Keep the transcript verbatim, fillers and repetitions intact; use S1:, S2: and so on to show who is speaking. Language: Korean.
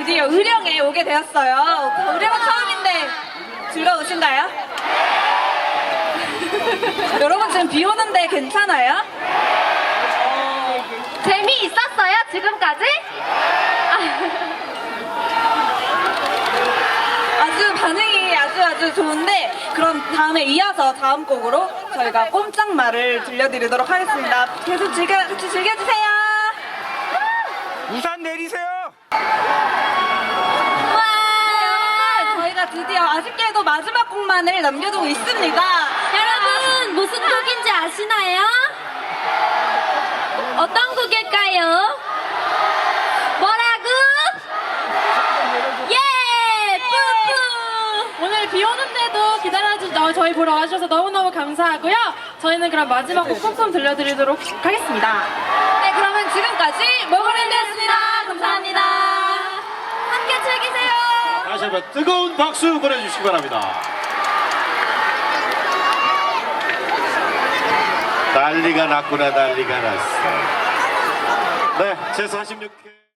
S1: 드디어 의령에 오게 되었어요. 의령은 처음인데 즐거우신가요? 여러분 지금 비 오는데 괜찮아요?
S2: 재미있었어요, 지금까지?
S1: 아주 반응이 아주 아주 좋은데 그럼 다음에 이어서 다음 곡으로 저희가 꼼짝말을 들려드리도록 하겠습니다. 계속 즐겨, 같이 즐겨주세요.
S3: 우산 내리세요.
S1: 와! 저희가 드디어 아쉽게도 마지막 곡만을 남겨두고 있습니다.
S2: 여러분, 무슨 곡인지 아시나요? 어떤 곡일까요? 뭐라고? 예! 뿌뿌!
S4: 오늘 비 오는데도 기다려주 어, 저희 보러 와주셔서 너무너무 감사하고요. 저희는 그럼 마지막 곡 꼼꼼 들려드리도록 하겠습니다.
S1: 네, 그러면 지금까지 모그랜드였습니다. 감사합니다.
S2: 함께 즐기세요!
S5: 다시 한번 뜨거운 박수 보내주시기 바랍니다. 난리가 났구나, 난리가 났어. 네, 제사십육 회